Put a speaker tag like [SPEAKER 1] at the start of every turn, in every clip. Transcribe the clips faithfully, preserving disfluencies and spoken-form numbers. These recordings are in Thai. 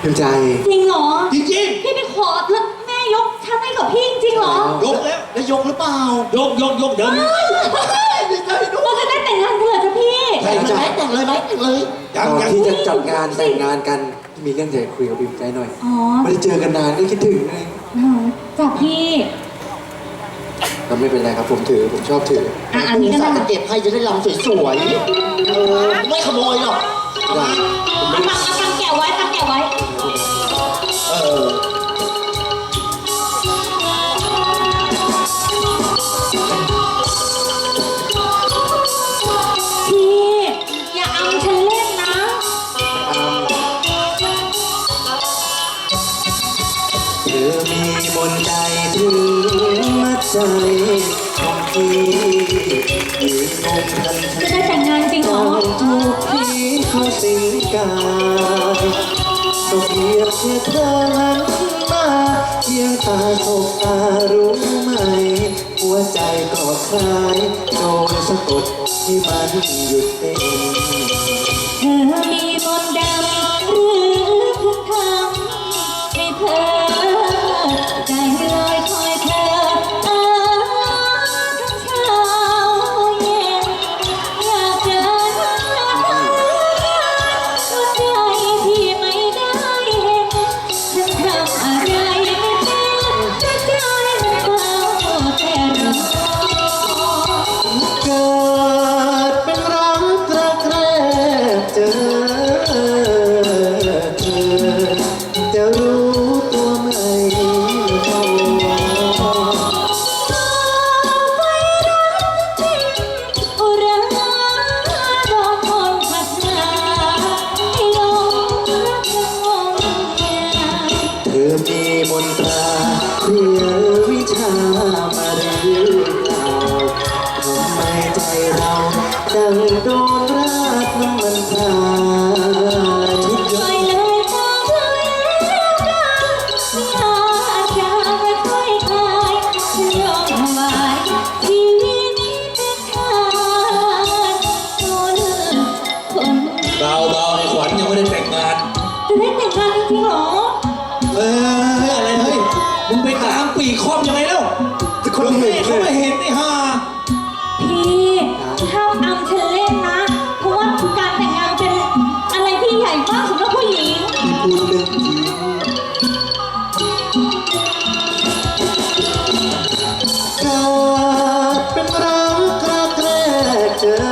[SPEAKER 1] พิมพ์ใจ
[SPEAKER 2] จริงเหรอ
[SPEAKER 3] จริง
[SPEAKER 2] พี่ไปขอแล้วแม่ยกฉันให้กับพี่จริงเหรอย
[SPEAKER 3] กแล้วแล้วยกหรือเปล่ายกยกยกเดี๋ยวนี้
[SPEAKER 2] ดีใจด้วยเราจะได้แต่งงานกันเหรอจ๊ะพี่
[SPEAKER 1] แต่งใจ
[SPEAKER 4] แต่งเลยไหมแต่งเลย
[SPEAKER 1] ก่อนที่จะจัดงานแต่งงานกันมีเรื่องอยากคุยกับพิมพ์ใจหน่อย
[SPEAKER 2] อ๋อ
[SPEAKER 1] ไม่ได้เจอกันนานก็คิดถึงเลย
[SPEAKER 2] จ้ะพี่
[SPEAKER 1] ก็ไม่เป็นไรครับผมถือผมชอบถือ
[SPEAKER 2] อ่ะอันนี้ก็ได้
[SPEAKER 4] จะเก็บให้จะได้ลำสวยๆเออไม่ขโมยหรอก
[SPEAKER 2] เอามาเอาตังเอาตังแกะไว้ตังแกะไว้
[SPEAKER 4] เออ
[SPEAKER 2] พี่อย่าเอาฉันเล่นนะ
[SPEAKER 1] เธอมีมนต์ใดถึงมัดใจของพี่ยืนงงทันทัน
[SPEAKER 2] จะได้แต่งงานจริงเหรอ
[SPEAKER 1] ถูกพี่เขาสิงกายก็เพียงแค่เธอหันมาเพียงตาสบตารู้ไหมหัวใจก็คลายโดนสะกดที่มันหยุดเต้น
[SPEAKER 2] เธอมีมนต์ดำหรือคุณทำให้เธอใจลอยคอยเธออาทั้งเช้าเย็นอยากเจอหน้าเธอหัวใจที่ไม่ได้เห็นฉันทำอะไรไม่เป็นแต่ใจมันเฝ้าแต่รอ
[SPEAKER 1] เกิดเป็นรักรักแรกเจอเธอจะรู้ตัวไหมเท่า
[SPEAKER 2] อุราดอกมนต์พัดมาให้ลงรักงงงาม
[SPEAKER 1] เธอมีมนตราเรียวิชามาหรือเปล่าทำไมใจเราดังโดนราดน้ำมันพรายทุก
[SPEAKER 2] ปล่อยเลยทางเลยแล้วกันไม่อาจจะไม่ค่อยคลายฉันยอมถวายชีวิตนี้เป็นทานคนคน
[SPEAKER 3] เบาเบาไอ้ขวัญยังไม่ได้แต่งงาน
[SPEAKER 2] จะได้แต่งงานจริงๆเหรอ
[SPEAKER 3] เอ้ยอะไรเฮ้ยมึงไปตามปีกคอมยังไงแล้วคนเห็นเขาไม่เห็นไอ้ห่า
[SPEAKER 2] พี่ห้ามอำฉันเล่นนะเพราะว่าการแต่งงานเป็นอะไรที่ใหญ่มากสำหรับผู้หญิง
[SPEAKER 1] ที่พูดเรื่องจริงเกิดเป็นรักรักแรกเจอ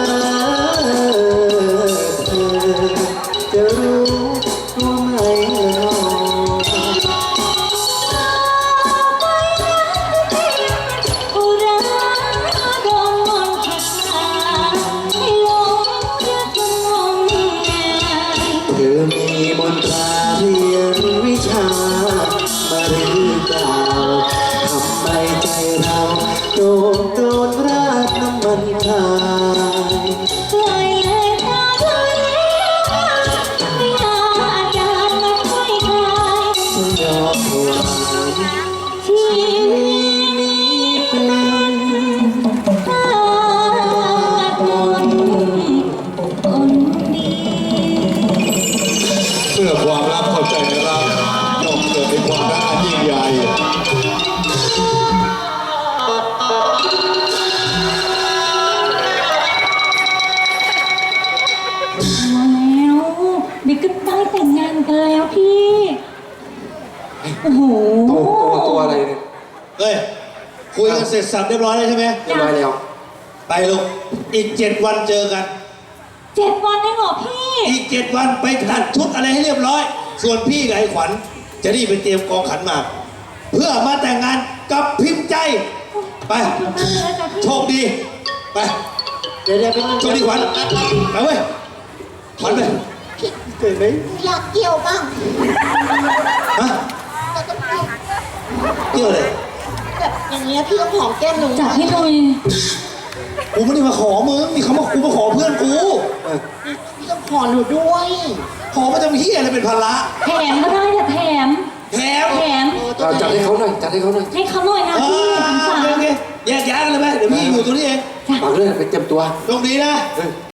[SPEAKER 1] เธอจะรู้ตัวไหมเนาะ
[SPEAKER 2] อุราโดนมนต์พัดมาให้หลงรักงมงาย
[SPEAKER 1] เธอมีมนตราเรียนวิชามาหรือเปล่าทำไมใจเราโดนโดนราดน้ำมันพราย
[SPEAKER 2] ปล่อยเลยทางเลยไม่อาจจะไม่ค่อยคลาย
[SPEAKER 1] ฉันยอมถวาย
[SPEAKER 2] ชีวิต
[SPEAKER 1] นี้เป็น
[SPEAKER 2] ทานคนคนดี
[SPEAKER 5] เมื่อความรักเข้าใจในรักย่อมเกิดเป็นความรักอันยิ่งใหญ่
[SPEAKER 2] มาแล้วเด็กก็ได้แต่งงานกันแล้วพี่โอ้โห
[SPEAKER 1] ตัวตัวตัวอะไรเนี่ย
[SPEAKER 3] เฮ้ยคุยกันเสร็จสับเรียบร้อยแล้วใช่ไหม
[SPEAKER 1] เรียบร้อยแล้ว
[SPEAKER 3] ไปลูกอีกเจ็ดวันเจอกัน
[SPEAKER 2] เจ็ดวันเองเหรอพี่
[SPEAKER 3] อีกเจ็ดวันไปตัดชุดอะไรให้เรียบร้อย ส่วนพี่กับไอ้ขวัญจะรีบไปเตรียมกองขันหมากเพื่อมาแต่งงานกับพิมพ์ใจไปโชคดีไป
[SPEAKER 4] เดี๋ยวเดี๋ยวเป็น
[SPEAKER 3] โชคดีขวัญไปเว้ยขวัญไปเก่งไหม
[SPEAKER 4] อยากเกี่ยวบ้าง
[SPEAKER 3] ฮะเกี่ยวเลย
[SPEAKER 4] แบบอย่างเงี้ยพี่ต้องหอมแก้มหนู
[SPEAKER 2] จับให้หน่อย
[SPEAKER 3] กูไม่ได้มาขอมึงนี่เขามากูมาขอเพื่อนกู
[SPEAKER 4] พี่ต้องขอหนูด้วย
[SPEAKER 3] ขอมาทำเฮียอะไรเป็นภาระ
[SPEAKER 2] แถมก็ได้แต่แถม
[SPEAKER 3] แถม
[SPEAKER 2] แถม
[SPEAKER 1] เราจัดให้เขาหน่อยจัดให้เขาหน่อย
[SPEAKER 2] ให้เขาหน่อยนะ
[SPEAKER 3] อ่า
[SPEAKER 2] พี่สงสาร
[SPEAKER 3] โอเคแยกย้ายกันเลยไหมเดี๋ยวพี่อยู่ตรงนี้เอง
[SPEAKER 1] ฝากเรื่องไปเตรียมตัว
[SPEAKER 3] โชคดีนะ